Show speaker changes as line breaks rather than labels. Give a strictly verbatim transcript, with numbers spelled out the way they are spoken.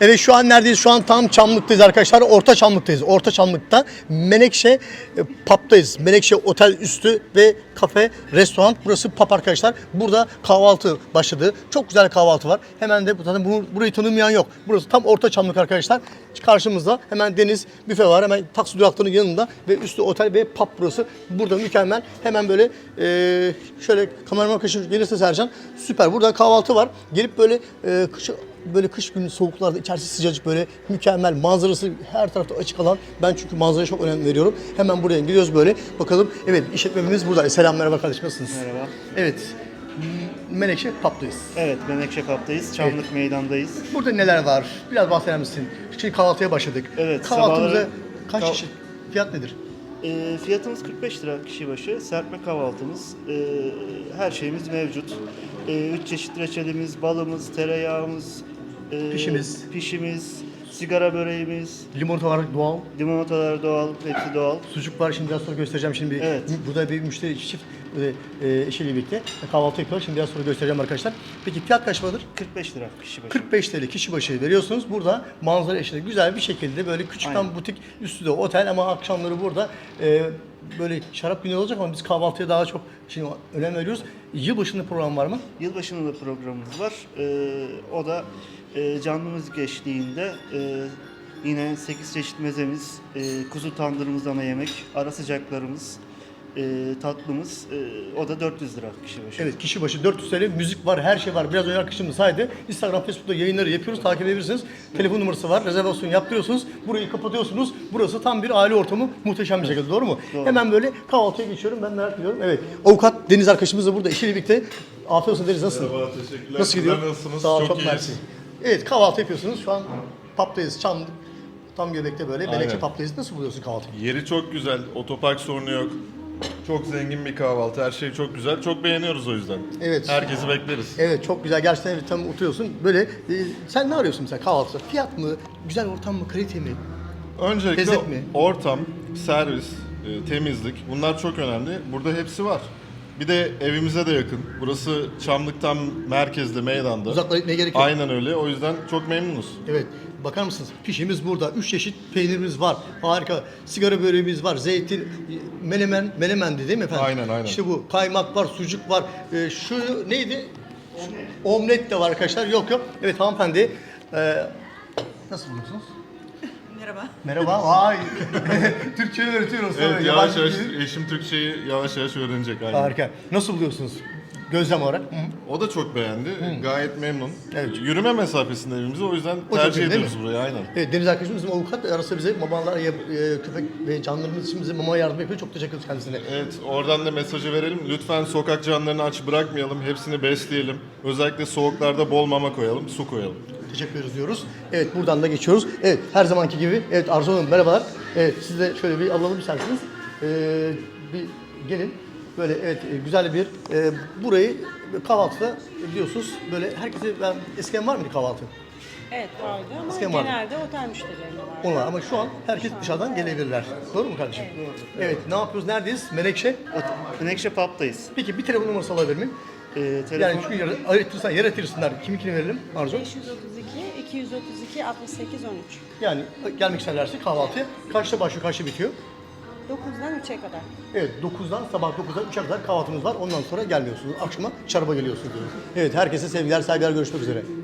Evet şu an neredeyiz? Şu an tam Çamlık'tayız arkadaşlar. Orta Çamlık'tayız. Orta Çamlık'ta Menekşe e, Pub'dayız. Menekşe Otel üstü ve kafe, restoran. Burası pub arkadaşlar. Burada kahvaltı başladı. Çok güzel kahvaltı var. Hemen de zaten bunu, burayı tanımayan yok. Burası tam Orta Çamlık arkadaşlar. Karşımızda hemen deniz, büfe var. Hemen taksi duraklarının yanında ve üstü otel ve pub burası. Burada mükemmel. Hemen böyle e, şöyle kameraman arkadaşım gelirse Sercan. Süper. Burada kahvaltı var. Gelip böyle e, kış, böyle kış günü soğuklarda içerisi sıcacık böyle mükemmel manzarası her tarafta açık alan. Ben çünkü manzaraya çok önem veriyorum. Hemen buraya gidiyoruz böyle. Bakalım. Evet işletmemiz burada. Selam merhaba kardeşim nasılsınız?
Merhaba.
Evet. Menekşe Pub'dayız.
Evet, Menekşe Pub'dayız. Çamlık
Evet.
Meydan'dayız.
Burada neler var? Biraz bahseder misin? Şimdi kahvaltıya başladık.
Evet,
Kahvaltımıza
sabahları-
kaç
Kah-
kişi? Fiyat nedir?
E, fiyatımız kırk beş lira kişi başı. Serpme kahvaltımız. E, her şeyimiz mevcut. E, üç çeşit reçelimiz, balımız, tereyağımız, e,
Pişimiz.
pişimiz, sigara böreğimiz,
Limonata var doğal.
limonatalar doğal, hepsi doğal.
Sucuk var. Şimdi biraz sonra göstereceğim. Şimdi bir-
Evet.
burada bir müşteri çift e, e, eşiyle birlikte kahvaltı yapıyorlar. Şimdi biraz sonra göstereceğim arkadaşlar. Peki fiyat kaç paradır?
kırk beş lira kişi başı.
kırk beş TL kişi başı veriyorsunuz. Burada manzara eşliğinde güzel bir şekilde böyle küçükten
Aynen.
butik üstü de otel ama akşamları burada e, böyle şarap günü olacak ama biz kahvaltıya daha çok şimdi önem veriyoruz. Yılbaşında program var mı?
Yılbaşında da programımız var. E, o da e, canlı müzik eşliğinde e, yine sekiz çeşit mezemiz, e, kuzu tandırımız ana yemek, ara sıcaklarımız, e, tatlımız, e, o da dört yüz lira kişi başı.
Evet kişi başı dört yüz TL müzik var, her şey var. Biraz önce arkadaşım saydı. Instagram, Facebook'ta yayınları yapıyoruz. Takip edebilirsiniz. Telefon numarası var. Rezervasyon yaptırıyorsunuz. Burayı kapatıyorsunuz. Burası tam bir aile ortamı. Muhteşem bir şekilde. Doğru mu?
Doğru.
Hemen böyle kahvaltıya geçiyorum. Ben merak ediyorum. Evet. Avukat Deniz arkadaşımız da burada. Eşiyle birlikte. Afiyet olsun Deniz. Nasılsın?
Merhaba, teşekkürler.
Nasıl gidiyor?
Sizler nasılsınız?
Sağ ol,
Çok
çok,
iyiyiz.
mersi. Evet kahvaltı yapıyorsunuz. Şu an pub'dayız. Çamlık. Tam göbekte böyle. Menekşe
Aynen.
pub'dayız. Nasıl buluyorsun kahvaltıyı?
Yeri çok güzel, otopark sorunu yok. Çok zengin bir kahvaltı, her şey çok güzel. Çok beğeniyoruz o yüzden.
Evet.
Herkesi bekleriz.
Evet çok güzel gerçekten evet, tam oturuyorsun böyle e, sen ne arıyorsun mesela kahvaltıda? Fiyat mı, güzel ortam mı, kalite mi?
Öncelikle
Lezzet mi?
ortam, servis, e, temizlik bunlar çok önemli. Burada hepsi var. Bir de evimize de yakın. Burası Çamlık'tan merkezde, meydanda.
Uzaklara gitmeye gerek yok.
Aynen öyle. O yüzden çok memnunuz.
Evet bakar mısınız? Pişimiz burada. Üç çeşit peynirimiz var. Harika. Sigara böreğimiz var. Zeytin, menemen, menemendi değil mi efendim?
Aynen, aynen.
İşte bu. Kaymak var, sucuk var. Ee, şu neydi? Omlet de var arkadaşlar. Yok yok. Evet hanımefendi. Ee, nasıl buluyorsunuz?
Merhaba.
Merhaba. Vay. Türkçeyi öğretiyoruz.
Evet,
Tabii,
yavaş
yabancı
yavaş
dil.
eşim Türkçeyi yavaş yavaş öğrenecek. Aynen.
Harika. Nasıl buluyorsunuz? Gözlem olarak. Hı.
O da çok beğendi. Gayet memnun.
Evet.
Yürüme mesafesinde evimize, o yüzden
O çok
tercih
iyi, değil
ediyoruz
mi?
burayı aynen.
Evet Deniz arkadaşımız bizim avukat arası bize mamalar, e, köpek ve canlarımız için bize mama yardım yapıyor. Çok teşekkür ederiz kendisine.
Evet, oradan da mesajı verelim. Lütfen sokak canlarını aç bırakmayalım. Hepsini besleyelim. Özellikle soğuklarda bol mama koyalım, su koyalım.
Teşekkür ederiz diyoruz. Evet buradan da geçiyoruz. Evet her zamanki gibi. Evet Arzu Hanım merhabalar. Evet siz de şöyle bir alalım isterseniz. Ee, bir gelin. Böyle evet e, güzel bir e, burayı kahvaltıda biliyorsunuz böyle herkese ben eskiden var mıydı kahvaltı?
Evet vardı ama
Eskiden vardı.
genelde otel müşterilerine vardı.
Onlar ama şu an herkes dışarıdan gelebilirler. Doğru mu kardeşim? Evet ne yapıyoruz? Neredeyiz? Menekşe.
Menekşe Pub'dayız.
Peki bir telefon numarası alabilir miyim?
E, telefon
Yani çünkü yer, ayırtırsan yer ayırtırsınlar. Kimikini verelim Arzu?
beş yüz otuz iki, iki yüz otuz iki, altmış sekiz, on üç.
Yani gelmek isterlerse kahvaltıya kaçta başlıyor, kaçta bitiyor?
dokuzdan üçe kadar.
Evet dokuzdan sabah dokuzdan üçe kadar kahvaltımız var. Ondan sonra gelmiyorsunuz. Akşama şaraba geliyorsunuz. Evet herkese sevgiler, saygılar, görüşmek üzere.